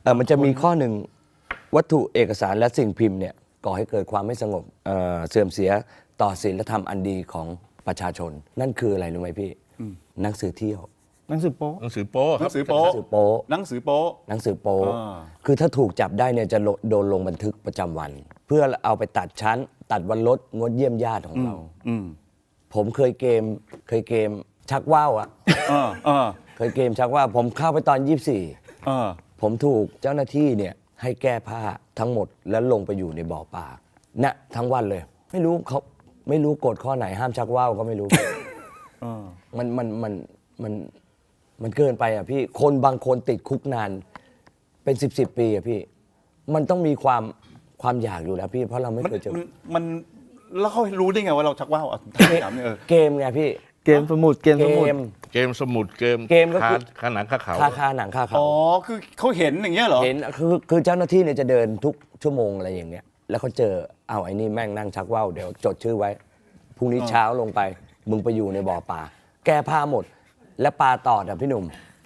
มันจะมีข้อหนึ่งวัตถุเอกสารและสิ่งพิมพ์เนี่ยก่อให้เกิดความไม่สงบเสื่อมเสียต่อศีลธรรมอันดีของประชาชน นั่นคืออะไรรู้ไหมพี่หนังสือเที่ยวหนังสือโป๊หนังสือโป๊หคนัรับงสือโป๊หนังสือโป๊หนังสือโป๊หนังสือโป๊อ่าคือถ้าถูกจับได้เนี่ยจะโดนลงบันทึกประจำวัน เพื่อเอาไปตัดชั้น ตัดวันลดงดเยี่ยมญาติของเรา ผมเคยเกมชักว่าวอะ เคยเกมชักว่าวผมเข้าไปตอน 24 ผมถูกเจ้าหน้าที่เนี่ยให้แก้ผ้าทั้งหมดแล้วลงไปอยู่ในบ่อปลาเนี่ยทั้งวันเลย ไม่รู้กฎข้อไหนห้ามชักว่าวก็ไม่รู้ มันเกินไปอ่ะพี่คนบางคนติดคุกนานเป็น10 ปีอ่ะพี่ มันต้องมีความอยากอยู่แล้วพี่เพราะเราไม่เคยเจอมันแล้วเขารู้ได้ไงว่าเราชักว่าวถามเนี่ยเกมไงพี่เกมสมุดเกมสมุดเกมสมุดเกมก็คือคาหนังคาเขาคาหนังคาเขาอ๋อคือเขาเห็นอย่างเงี้ยเหรอเห็นคือเจ้าหน้าที่เนี่ยจะเดินทุกชั่วโมงอะไรอย่างเงี้ยแล้วเขาเจอเอาไอ้นี่แม่งนั่งชักว่าวเดี๋ยวจดชื่อไว้พรุ่งนี้เช้าลงไปมึงไปอยู่ในบ่อปลาแก้ผ้าหมด และปลาตอดอ่ะพี่หนุ่ม